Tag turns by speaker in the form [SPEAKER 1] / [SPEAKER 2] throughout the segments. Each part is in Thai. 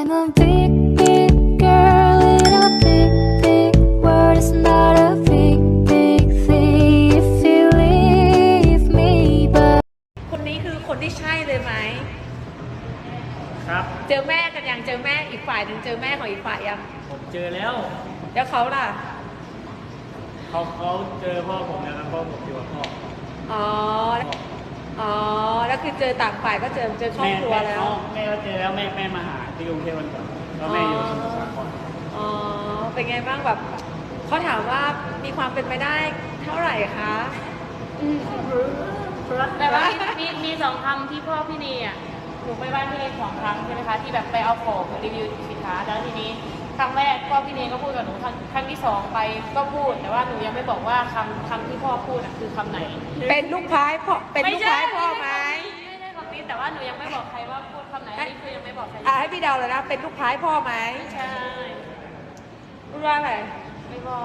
[SPEAKER 1] I'm a big, big girl in a big, big world. It's not a big, big thing if you leave me, but
[SPEAKER 2] คนนี้คือคนที่ใช่เลยไหม
[SPEAKER 3] ครับ
[SPEAKER 2] เจอแม่กันยังเจอแม่อีกฝ่ายหนึ่งเจอแม่ของอีกฝ่ายยัง
[SPEAKER 3] ผมเจอแล้ว
[SPEAKER 2] แล้วเขาล่ะ
[SPEAKER 3] เขาเจอพ่อผมแล้วพ่อผมอยู่กับพ่อ
[SPEAKER 2] อ๋ออ๋อแล้วคือเจอต่างฝ่ายก็เจอครอบครัวแล้ว
[SPEAKER 3] แม่ก็เจอแล้วแม่มาหาที่กรุงเทพวันก่อนแล้วแม่อยู่สมุทรสาคร
[SPEAKER 2] อ๋อเป็นไงบ้างแบบเขาถามว่ามีความเป็นไปได้เท่าไหร่คะ
[SPEAKER 4] แต่ว่ามีสองคำที่พ่อพี่นีอ่ะหนูไปบ้านพี่นี2 ครั้งใช่ไหมคะที่แบบไปเอาของรีวิวสินค้าแล้วทีนี้ครั้งแรกพ่อพี่นีก็พูดกับหนูครั้งที่ 2ไปก็พูดแต่ว่าหนูยังไม่บอกว่าคำที่พ่อพูดอ่ะคือคำไหน
[SPEAKER 2] เป็นลูกพายพ่อเป็นลูกพายพ่อไหม
[SPEAKER 4] ไม่ใช่คำนี้แต่ว่าหนูยังไม่บอกใครว่าพูดคำไหนนี่คือยังไม่บอกใคร
[SPEAKER 2] ให้พี่เดาเลยนะเป็นลูกพายพ่อไหม
[SPEAKER 4] ไม่ใช่
[SPEAKER 2] พูดว่าอะไร
[SPEAKER 4] ไม่บอก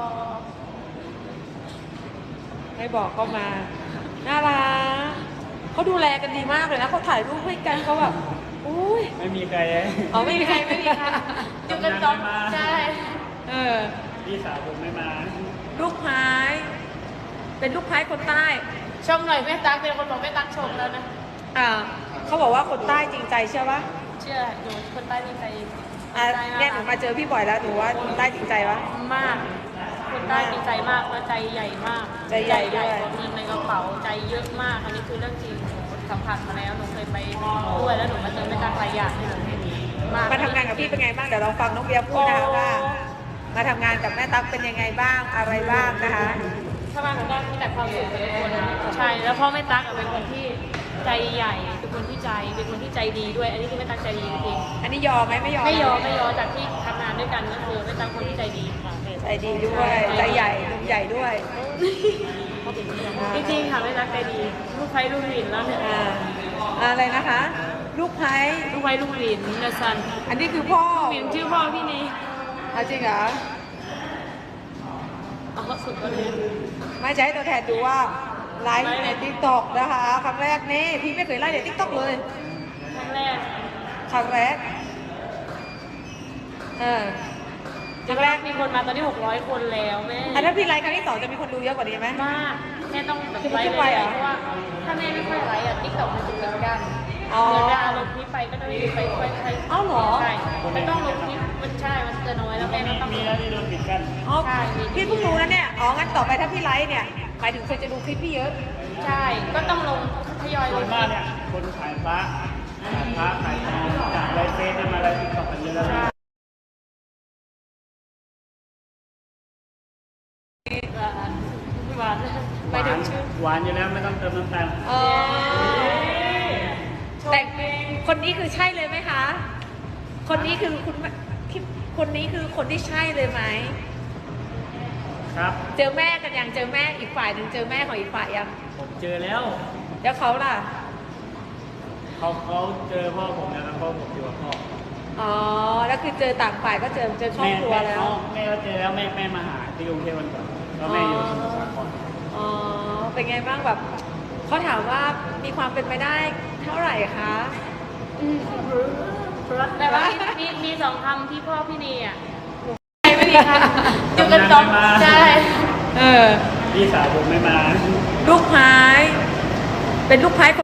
[SPEAKER 2] ไม่บอกก็มาน่ารักเขาดูแลกันดีมากเลยนะเขาถ่ายรูปให้กันเขาแบบอุ้ย
[SPEAKER 3] ไม่มีใคร
[SPEAKER 2] อ๋อไม่มีใคร
[SPEAKER 4] อยู่กันสองใช่
[SPEAKER 3] พี่สาวผมไม่มา
[SPEAKER 2] ลูกพายเป็นลูกพายคนใต้
[SPEAKER 4] ชมหน่อยแม่ตั๊กเป็นคนบอกแม่ตั๊กชมแล้วนะ
[SPEAKER 2] เขาบอกว่าคนใต้จริงใจเชื่อปะ
[SPEAKER 4] เชื่อหนูคนใต้จริงใจ
[SPEAKER 2] เนี่ยหนูมาเจอพี่บ่อยแล้วหนูว่าคนใต้จริงใจปะ
[SPEAKER 4] มากคนใต้จริงใจมากและใจใหญ่มาก
[SPEAKER 2] ใจใหญ่ด้วย
[SPEAKER 4] เงินในกระเป๋าใจเยอะมากอันนี้คือเรื่องจริงสัมผัสมาแล้วหนูเคยไปด้วยแล้วหนูมาเจอแม่ตั๊กหลายอย่างที่หนูไม่มี
[SPEAKER 2] มาทำงานกับพี่เป็นไงบ้างเดี๋ยวลองฟังน้องเบียร์พูดนะคะว่ามาทำงานกับแม่ตั๊กเป็นยังไงบ้างอะไรบ้างนะคะ
[SPEAKER 4] ทำงานกับแม่มีแต่ความสุขเป็นคนใช่แล้วพ่อแม่ตั๊กเป็นคนที่ใจใหญ่เป็นคนที่เป็นคนที่ใจดีด้วยอันนี้คือแม่ตั๊กใจดีจริง
[SPEAKER 2] อันนี้ยอมไหมไม่ยอ
[SPEAKER 4] มจากที่ทำงานด้วยกันก็คือแม่ตั๊กคนที่ใจดี
[SPEAKER 2] ใจดีด้วยใจใหญ่นุ่มใหญ่ด้วย
[SPEAKER 4] จริงๆค่ะแม่ตั๊กใจดีลูกไผ่ลูกหลินแล้วเนี่ย
[SPEAKER 2] อะไรนะคะลูกไผ่
[SPEAKER 4] ลูกหลินเนซัน
[SPEAKER 2] อันนี้คือพ่อ
[SPEAKER 4] หลินชื่อพ่อพี่นี่
[SPEAKER 2] จริงเหรอ
[SPEAKER 4] สุดเลย
[SPEAKER 2] ไม่ใช่ตัวแทนดูว่าไลฟ์ในทิกตอกนะคะครั้งแรกนี่พี่ไม่เคยไลฟ์ในทิกตอกเลย
[SPEAKER 4] ครั้งแรก
[SPEAKER 2] ครั้งแรก
[SPEAKER 4] มีคนมาตอนนี้600 คนแล้วแม่
[SPEAKER 2] ถ้าพี่ไลฟ์ครั้งที่ 2จะมีคนดูเยอะกว่านี้ไหม
[SPEAKER 4] มากแม่ต้องแบบไลฟ์เพราะว่าถ้าแม่ไม่ค่อยไลฟ์ทิกตอกมันจะเหมือนกันเดี๋ยวจะลงคลิปไปก็จะไม่ไปค่อย
[SPEAKER 2] อ้าวเหรอ
[SPEAKER 4] ใช่ไม่ต้องลงคลิปมันใช่มันจะน้อยแล้วแม่ก็ต้อง
[SPEAKER 3] มีแล้วที่โดนปิดกัน
[SPEAKER 2] ใช่พี่เพิ่งรู้นะเนี่ยงั้นต่อไปถ้าพี่ไลฟ์เนี่ยหมายถึงคนจะดูคลิปพี่เยอะ
[SPEAKER 4] ใช่ก็ต้องลงทยอยลง
[SPEAKER 3] มากเนี่ยคนขายพระขายทองจากไลฟ์เฟซมาไลฟ์ทิกตอกกันเยอะแล้ว
[SPEAKER 4] ไปถึงชื่อ
[SPEAKER 3] หวานอยู่แล้วไม่ต้องเติมน้ำตาล
[SPEAKER 2] แต่คนนี้คือใช่เลยไหมคะคนนี้คือคนนี้คือคนที่ใช่เลยไหม
[SPEAKER 3] ครับ
[SPEAKER 2] เจอแม่กันยังเจอแม่อีกฝ่ายหนึ่งเจอแม่ของอีกฝ่ายยัง
[SPEAKER 3] ผมเจอแล้ว
[SPEAKER 2] แล้วเขาล่ะ
[SPEAKER 3] เขาเจอพ่อผมแล้วพ่อผมอยู่กับพ่อ
[SPEAKER 2] อ๋อแล้วคือเจอต่างฝ่ายก็เจอครอบครัวแล้ว
[SPEAKER 3] แม่ก็เจอแล้วแม่มาหาที่กรุงเทพวันก่อนแล้วแม่อยู่สมุทรสาคร
[SPEAKER 2] อ๋อเป็นไงบ้างแบบเขาถามว่ามีความเป็นไปได้เท่าไหร่คะ
[SPEAKER 4] แต่ว่ามี2 คำที่พ่อพี่นีอ่ะไม่มีค่ะอยู่กันสองใช่
[SPEAKER 3] พี่สาวผมไม่มา
[SPEAKER 2] ลูกพายเป็นลูกพาย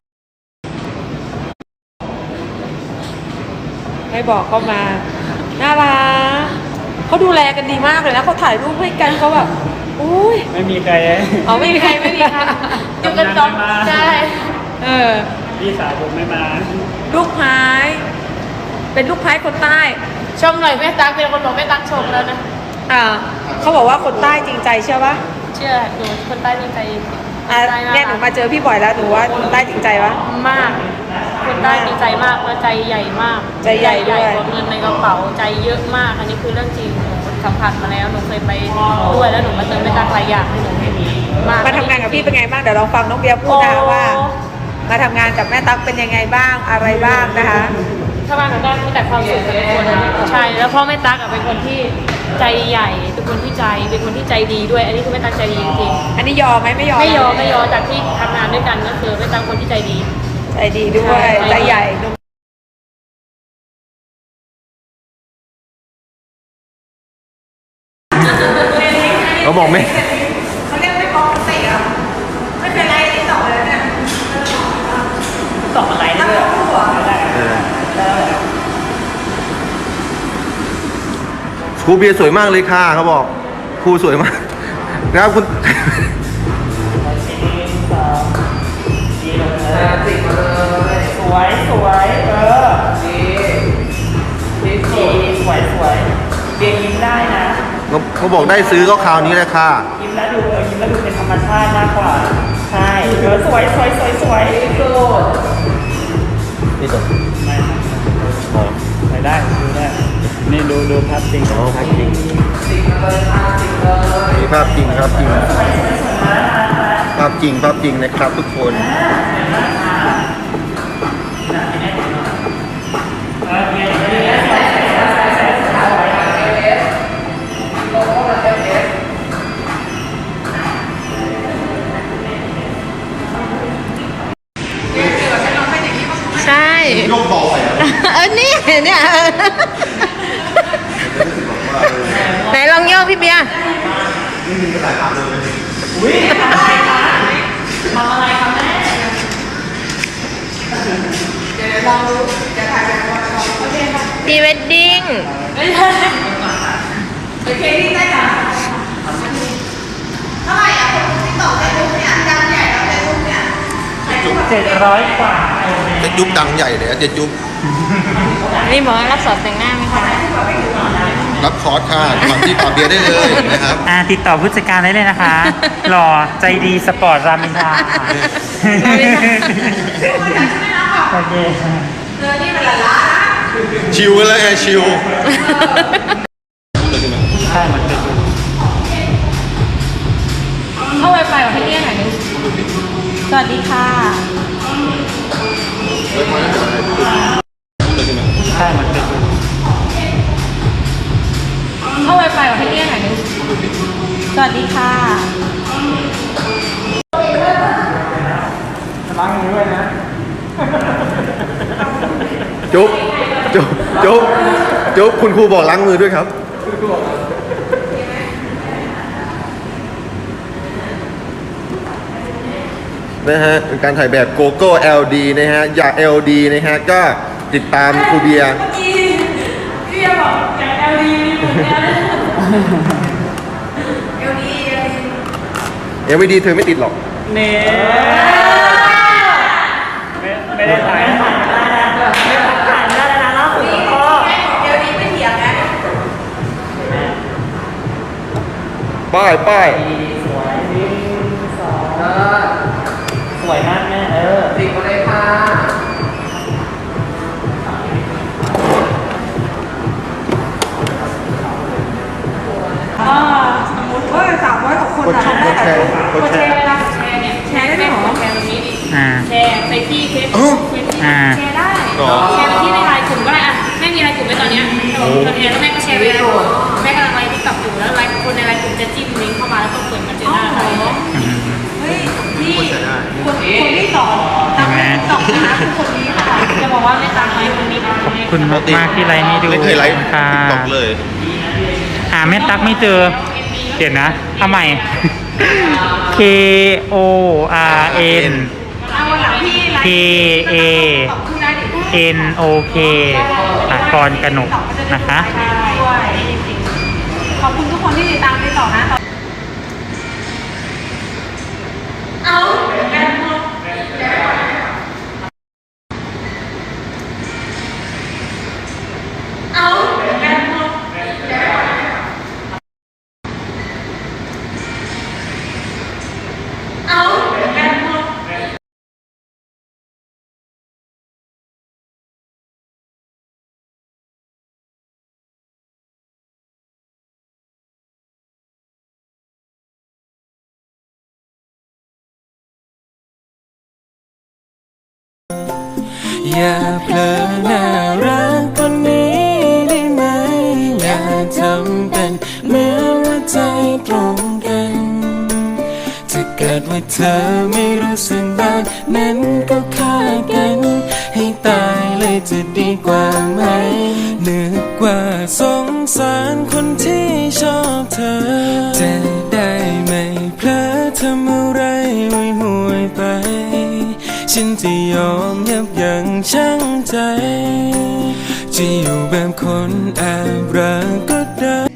[SPEAKER 2] ไม่บอกก็มาน่ารักเขาดูแลกันดีมากเลยนะเขาถ่ายรูปให้กันเขาแบบอุ้ย
[SPEAKER 3] ไม่มีใคร
[SPEAKER 2] ไม่มีใคร
[SPEAKER 4] อยู่กันสองใช่
[SPEAKER 3] พี่สาวผมไม่มา
[SPEAKER 2] ลูกพายเป็นลูกพายคนใต้
[SPEAKER 4] ชมหน่อยแม่ตั๊กเป็นคนบอกแม่ตั๊กชมแล้วนะ
[SPEAKER 2] เขาบอกว่าคนใต้จริงใจเชื่อปะ
[SPEAKER 4] เชื่อหนูคนใต้จริงใจ
[SPEAKER 2] เนี่ยหนูมาเจอพี่บ่อยแล้วหนูว่าคนใต้จริงใจปะ
[SPEAKER 4] มากคนใต้จริงใจมากและใจใหญ่มาก
[SPEAKER 2] ใจใหญ่ด้วย
[SPEAKER 4] เงินในกระเป๋าใจเยอะมากอันนี้คือเรื่องจริงสัมผัสมาแล้วหนูเคยไปด้วยแล้วหนูมาเจอแม่ตั๊กหลายอย่างที่หนูไม่มี
[SPEAKER 2] มาทำงานกับพี่เป็นไงบ้างเดี๋ยวลองฟังน้องเบียร์พูดนะคะว่ามาทำงานกับแม่ตั๊กเป็นยังไงบ้างอะไรบ้างนะคะ
[SPEAKER 4] ทำงานกับแม่มีแต่ความสุขเป็นคนใช่แล้วพ่อแม่ตั๊กเป็นคนที่ใจใหญ่เป็นคนที่เป็นคนที่ใจดีด้วยอันนี้คือแม่ตั๊กใจดีจริง
[SPEAKER 2] อันนี้ยอมไหมไม่ยอ
[SPEAKER 4] มจากที่ทำงานด้วยกันก็คือแม่ตั๊กคนที่ใจดี
[SPEAKER 2] ด้วยใจใหญ่
[SPEAKER 5] เขาบอกไม่
[SPEAKER 2] เขาเรียกไม่ปกติอ่ะไม่เป็นไรที่ต่อเลยเนี่ย
[SPEAKER 3] ต่ออะไรได้ด้วยได้
[SPEAKER 5] ครูเบียร์สวยมากเลยค่ะเขาบอกครูสวยมากนะครับคุณ
[SPEAKER 3] สวยสวยดีสวยสวยเบียร์ยิ้มได้นะ
[SPEAKER 5] เขาบอกได้ซื้อก็คราวนี้แหละค่ะ
[SPEAKER 3] ยิ้มแล้วดูยิ้มแล้วดูเป็นธรรมชาติมากกว่าใช่สวยสวยสวยสวย
[SPEAKER 5] นี่ตัว
[SPEAKER 3] ไม่ได้ดูได้นี่ดูภาพจริง
[SPEAKER 5] อ๋อภาพจริงมีภาพจริงครับจริงภาพจริงภาพจริงนะครับทุกคน
[SPEAKER 2] ใช่
[SPEAKER 5] ยกเบาไปอ่ะ
[SPEAKER 2] นี่เนี่ยไหนลองโยกพี่เบียร์
[SPEAKER 3] อุ้ยทำอะไรคะทำอะไรคะแม่
[SPEAKER 2] พรีเวดดิ้ง
[SPEAKER 4] โอเคที่ได้ค่ะ
[SPEAKER 3] 700 กว่า
[SPEAKER 5] เจ็ดยุบดังใหญ่เลยอะเจ็ดยุบ
[SPEAKER 2] นี่บอกว่ารับสอนแต่งหน้าไหมคะ
[SPEAKER 5] รับคอร์สค่ะก่อนที่ปาเบียร์ได้เลยนะครับ
[SPEAKER 3] ติดต่อผู้จัดการได้เลยนะคะ หล่อใจดีสปอร์ตรามอินทราโอเค
[SPEAKER 5] ชิวกันแล้วไงชิว
[SPEAKER 3] ใช่มันเป็น
[SPEAKER 2] เข้าไวไฟของพี่เนี่ยหน่อยนึงสวัสดีค่ะ
[SPEAKER 3] ใช่มันเป็น
[SPEAKER 2] เข้าไวไฟของพี่เนี่ยหน่อยนึงสวัสดีค่ะ
[SPEAKER 3] ล้างมือด้วยนะ
[SPEAKER 5] จุ๊บจุ๊บจุ๊บจุ๊บคุณครูบอกล้างมือด้วยครับ นะฮะเป็นการถ่ายแบบโกโก้ LD นะฮะอยาก LD นะฮะก็ติดตามครูเบียร์
[SPEAKER 4] พี่เบียร์บอกอยาก LD เหมือนกัน LD
[SPEAKER 5] ยังไม่ดีเธอไม่ติดหรอก
[SPEAKER 3] เน่ไม่ได้ถ่ายนะถ่ายได้นะล่าสุดพ่อ
[SPEAKER 4] LD ไม่เถียงนะ
[SPEAKER 5] ป้ายป้าย
[SPEAKER 3] สวยมากแม่ติดมาเลยค่ะ
[SPEAKER 2] สมมติว่า300 กว่าคน
[SPEAKER 5] กด
[SPEAKER 2] อะ
[SPEAKER 5] แชร์กดแชร์
[SPEAKER 4] เวลาแชร์เนี่ย
[SPEAKER 2] แชร์ได้ไหมหรอ
[SPEAKER 4] แชร์ตรงนี้ดิ
[SPEAKER 3] อ่า
[SPEAKER 4] แชร์ไปที่เฟซ
[SPEAKER 5] อ้าว
[SPEAKER 4] เฟซ
[SPEAKER 3] อ่า
[SPEAKER 4] แชร์ได้
[SPEAKER 5] หรอ
[SPEAKER 4] แชร์ไปที่ในไลน์กลุ่มก็ได้อะแม่มีไลน์กลุ่มไว้ตอนเนี้ยแล้วแม่ก็แชร์ไปเลยแม่กำลังไลน์ที่กับอยู่แล้วไลน์คนในไลน์กลุ่มจะจิ้มลิงก์เข้ามาแล้วก็เปิดมาเจอหน้าเรา
[SPEAKER 2] เฮ้ยพี่
[SPEAKER 5] กดแชร์ได้
[SPEAKER 2] คนที่สอนทำให้ตอบนะคะคือคนนี้ค่ะ
[SPEAKER 4] จะบอกว่าไม่ตามไลน์คนนี้นะ
[SPEAKER 3] คุณมากมากที่ไลน์นี้ดู
[SPEAKER 5] ไม่เคยไลฟ์
[SPEAKER 3] ค่ะ
[SPEAKER 5] ตอกเลย
[SPEAKER 3] หาแม่ตั๊กไม่เจอเดี๋ยวนะทำไม K O R N
[SPEAKER 2] เอาวันหลังพี่ไล
[SPEAKER 3] K
[SPEAKER 2] ฟ์
[SPEAKER 3] A
[SPEAKER 2] ตอบขึ้นได้ดิ
[SPEAKER 3] N O K กรกนกนะคะ
[SPEAKER 2] ด้วยจริงๆขอบคุณทุกคนที่ติดตามที่ต่อนะ
[SPEAKER 4] เอาแม่หมด เอาแม่หมด เอาแม่หมด
[SPEAKER 6] อย่าเผลอน่ารักคนนี้ได้ไหม อย่าทำเป็นเหมือนว่าใจตรงกันถ้าเกิดว่าเธอไม่รู้สึกแบบนั้นก็ฆ่ากัน ให้ตายเลยจะดีกว่าไหมนึกว่าสงสารคนที่ชอบเธอจะได้ทำอะไรห่วยๆไป ฉันจะยอมยับยั้งชั่งใจ จะอยู่แบบคนแอบรักก็ได้